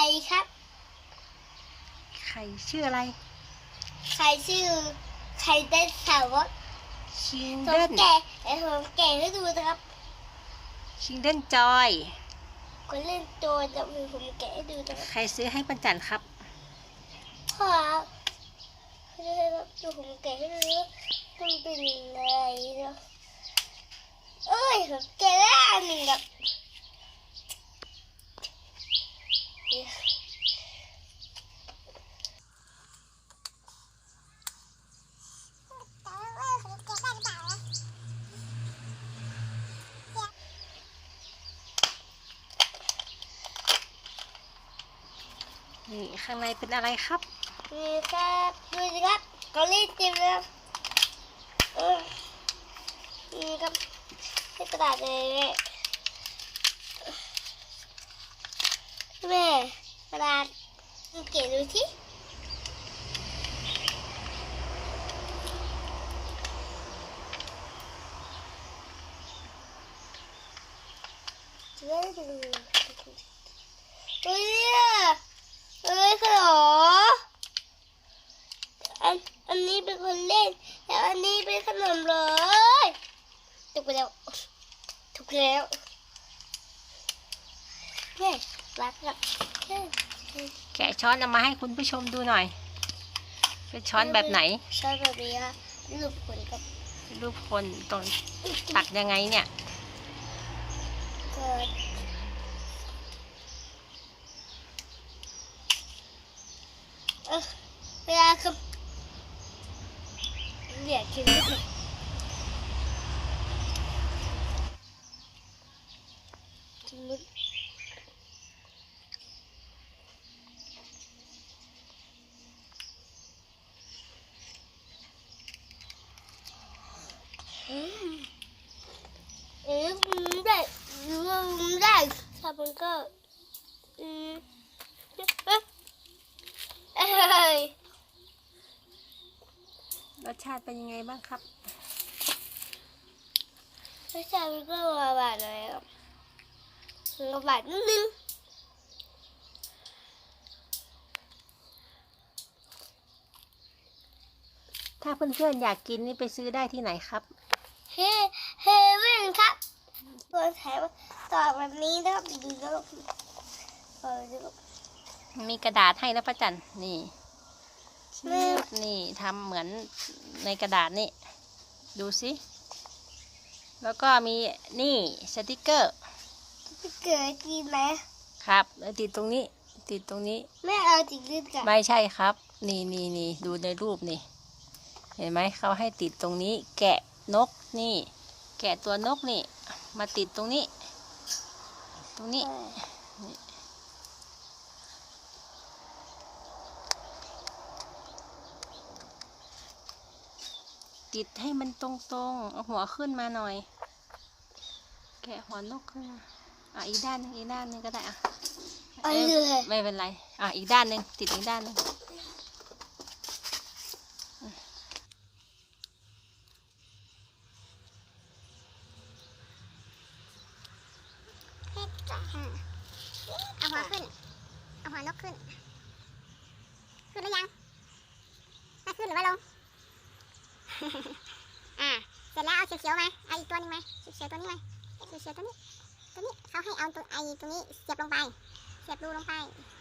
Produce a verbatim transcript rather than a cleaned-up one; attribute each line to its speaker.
Speaker 1: ครับ
Speaker 2: ไข่ชื่ออะไร
Speaker 1: ไข่ชื่อไข่เต้นสาวก
Speaker 2: ชิง
Speaker 1: ผ
Speaker 2: เด้
Speaker 1: ม
Speaker 2: น
Speaker 1: แกะเดี๋ยวผมแกะให้ดูนะครับ
Speaker 2: ชิงเด้นจอย
Speaker 1: คนเล่นตัวจะมีผมแกะให้ดูนะครับ
Speaker 2: ใครซื้อให้ปัญจันครับ
Speaker 1: พ่อครับเดี๋ยวผมแกะให้ดูมันเป็นอะไรนะเอ้ยผมแกะได้อันหนึ่งครับ
Speaker 2: นี่ข้างในเป็นอะไรครับ
Speaker 1: นี่ครับดูสิครับเกาหลีเต็มเลยครับเออนี่ครับให้กระดาษเลยแม่กระดาษเก็บดูที่เฮ้ยเฮ้ยเฮ้ยขนมอันอันนี้เป็นคนเล่นแต่อันนี้เป็นขนมเลยถูกไปแล้วถูกแล้วแม่รักรัก
Speaker 2: แกะช้อนเอามาให้คุณผู้ชมดูหน่อย เป็นช้อนแบบไหน
Speaker 1: ช้อนแบบนี้ค่ะรูปคนกับ
Speaker 2: รูปคนตรงตักยังไงเนี่ย
Speaker 1: เกิดเออเวลาคือเหลียดกินนิดหนึ่งกินนิดอืมเอ๊ะมันได้มันได้ถ้ามันก็อืมเอ๊ะเอ้ย
Speaker 2: รสชาติเป็นยังไงบ้างครับ
Speaker 1: รสชาติมันก็หวานๆเลยครับหวานนิดนึง
Speaker 2: ถ้าเพื่อนๆอยากกินนี่ไปซื้อได้ที่ไหนครับ
Speaker 1: เฮเฮเว่นครับตัวแถมต่อแบบนี้นะครับดูนะครับเออดูครับ
Speaker 2: มีกระดาษให้นะป้าจันนี่
Speaker 1: แม่
Speaker 2: นี่ทำเหมือนในกระดาษนี่ ดูสิ แล้วก็มีนี่สติกเกอร์
Speaker 1: จะเกิดกินไหม
Speaker 2: ครับแล้วติดตรงนี้ ติดตรงนี้
Speaker 1: แม่เอาจริงหรือเปล่า
Speaker 2: ไม่ใช่ครับ นี่นี่นี่ดูในรูปนี่ เห็นไหมเขาให้ติดตรงนี้ แกะนกนี่ แกะตัวนกนี่ มาติดตรงนี้ ตรงนี้ ติดให้มันตรงๆ เอาหัวขึ้นมาหน่อย แกะหัวนกขึ้นมาอ่ะอีกด้านหนึงอีกด้านหนึงก็ได้อ่ะ
Speaker 1: เอา
Speaker 2: เอ้ย
Speaker 1: เลย
Speaker 2: ไม่เป็นไร อ่ะอีกด้านหนึ่งติดอีกด้านหนึ่ง
Speaker 3: เอาหัวขึ้น เอาหัวนกขึ้น ขึ้นหรือยังถ้าขึ้นหรือว่าลง อ่า เสร็จแล้วเอาเขียวๆมาเอาอีกตัวนึงมาเขียวๆตัวนี้มาเขียวๆตัวนี้ ตัวนี้เขาให้เอาตัวไอ้ตัวนี้เสียบลงไป เสียบรูลงไป